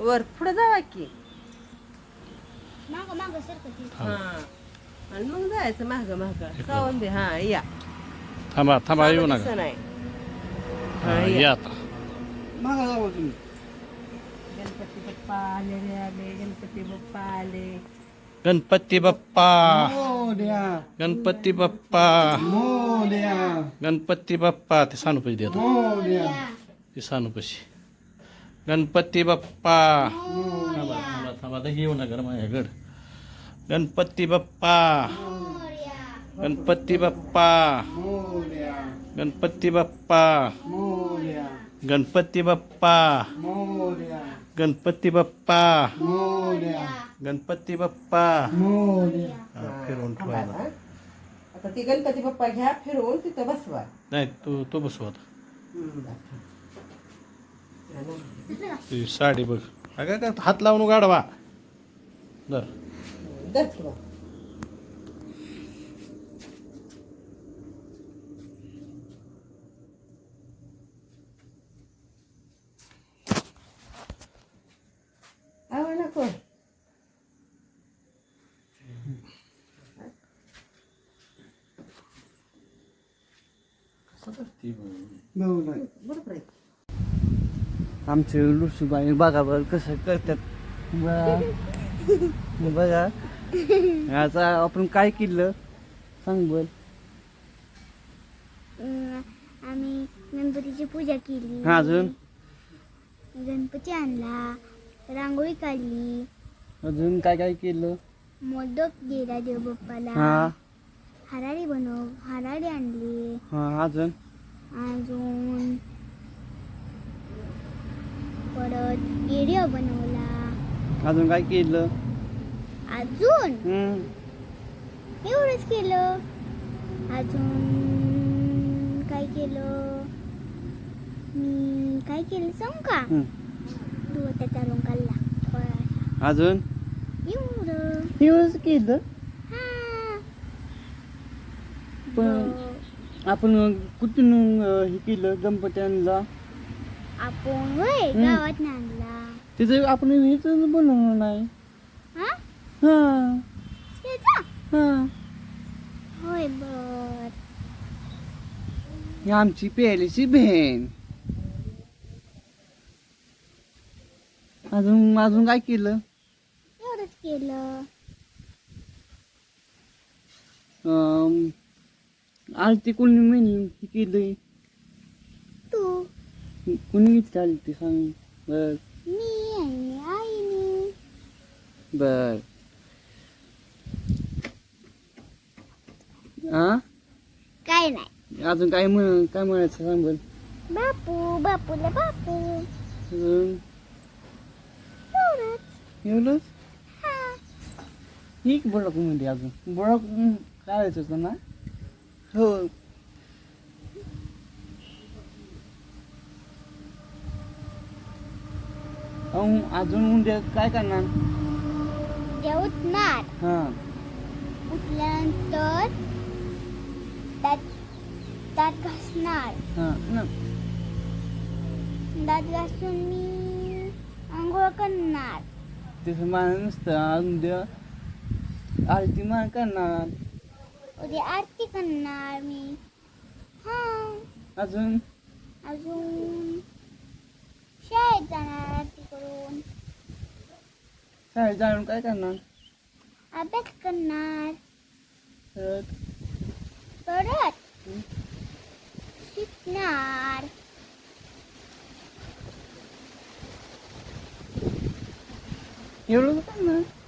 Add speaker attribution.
Speaker 1: वर पुढे जावा की.
Speaker 2: मागं मागं सरकती.
Speaker 1: हा आणि मग जायचं माग माग सावंत दे. हा या
Speaker 3: थांबा थांबा येऊ
Speaker 1: दिसत
Speaker 3: नका.
Speaker 1: नाही.
Speaker 3: हा या आता.
Speaker 4: मागा जावं तुम्ही.
Speaker 1: गणपती बाप्पा आले रे आले. गणपती बाप्पा आले.
Speaker 3: गणपती बाप्पा
Speaker 4: मोरया
Speaker 3: गणपती बाप्पा
Speaker 4: मोरया
Speaker 3: गणपती बाप्पा. ते सानूपशी देतो.
Speaker 4: मोरया
Speaker 3: ते सानूपशी. गणपती बाप्पा. थांबा थांबा थांबा आता येऊ नका माझ्याकडं. गणपती बाप्पा गणपती बाप्पा
Speaker 4: मोरया
Speaker 3: गणपती बाप्पा
Speaker 4: मोरया
Speaker 3: गणपती बाप्पा
Speaker 4: मोरया
Speaker 3: गणपती बाप्पा
Speaker 4: मोरया
Speaker 3: गणपती बाप्पा.
Speaker 4: मोरया
Speaker 3: हा, फिरवून ठेवायला.
Speaker 1: आता ती गणपती बाप्पा घ्या फिरवून तिथं बसवा.
Speaker 3: नाही तो बसू आता.
Speaker 1: हम्म.
Speaker 3: तुझी साडी बघ. अगं का हात लावून गाडवा. दर
Speaker 1: धर किंवा. आवड नको. बरोबर आहे.
Speaker 4: आमचे लुसूबाई बघा बरं कसं करतात. बघा आता आपण काय केलं सांग बोल.
Speaker 2: आम्ही गणपतीची पूजा केली.
Speaker 4: हा अजून
Speaker 2: गणपती आणला. रांगोळी काढली.
Speaker 4: अजून काय काय केलं.
Speaker 2: मोदक गेला देव बाप्पाला.
Speaker 4: हा
Speaker 2: हराळी आणली.
Speaker 4: हा अजून
Speaker 2: अजून परत व्हिडिओ बनवला.
Speaker 4: अजून काय केलं.
Speaker 2: अजून
Speaker 4: हम्म.
Speaker 2: एवढंच केलं. अजून काय केलं मी काय केलं सांगू का.
Speaker 4: हम्म.
Speaker 2: तू त्याचा रंग काढला थोडासा.
Speaker 4: अजून
Speaker 2: एवढं
Speaker 4: एवढंच केलं.
Speaker 2: हा.
Speaker 4: पण आपण कुठून हे केलं गणपती आणला.
Speaker 2: आपण होय गावात आणला.
Speaker 4: तिचं आपण हेच बनवलं नाही.
Speaker 2: हा
Speaker 4: हा
Speaker 2: त्याचा
Speaker 4: हा
Speaker 2: होय बर.
Speaker 4: ही आमची पहिलीची बहीण. अजून अजून काय केलं.
Speaker 2: एवढंच केलं.
Speaker 4: आरती कोणी म्हणली केली.
Speaker 2: तू
Speaker 4: कोणी घेतली आरती सांग बर.
Speaker 2: मी आणि आईने.
Speaker 4: बर हा
Speaker 2: काय नाही.
Speaker 4: अजून काय काय म्हणायचं सांग बर.
Speaker 2: बापूला बापू
Speaker 4: अजून
Speaker 2: एवढंच.
Speaker 4: एवढंच.
Speaker 2: हा.
Speaker 4: ठीक बडक म्हणजे अजून बडक काढायचं होतं ना. हो अजून उद्या काय करणार.
Speaker 2: उद्या उठणार.
Speaker 4: हा
Speaker 2: उठल्यानंतर दात घासणार.
Speaker 4: हा ना.
Speaker 2: दात घासून मी आंघोळ करणार.
Speaker 4: तसं मान नसतं. उद्या आरती मान करणार.
Speaker 2: उद्या आरती करणार मी. हा.
Speaker 4: अजून
Speaker 2: अजून शाळेत जाणार आरती करून.
Speaker 4: शाळेत जाऊन काय करणार.
Speaker 2: अभ्यास करणार.
Speaker 4: परत
Speaker 2: परत शिकणार.
Speaker 4: एवढं करणार.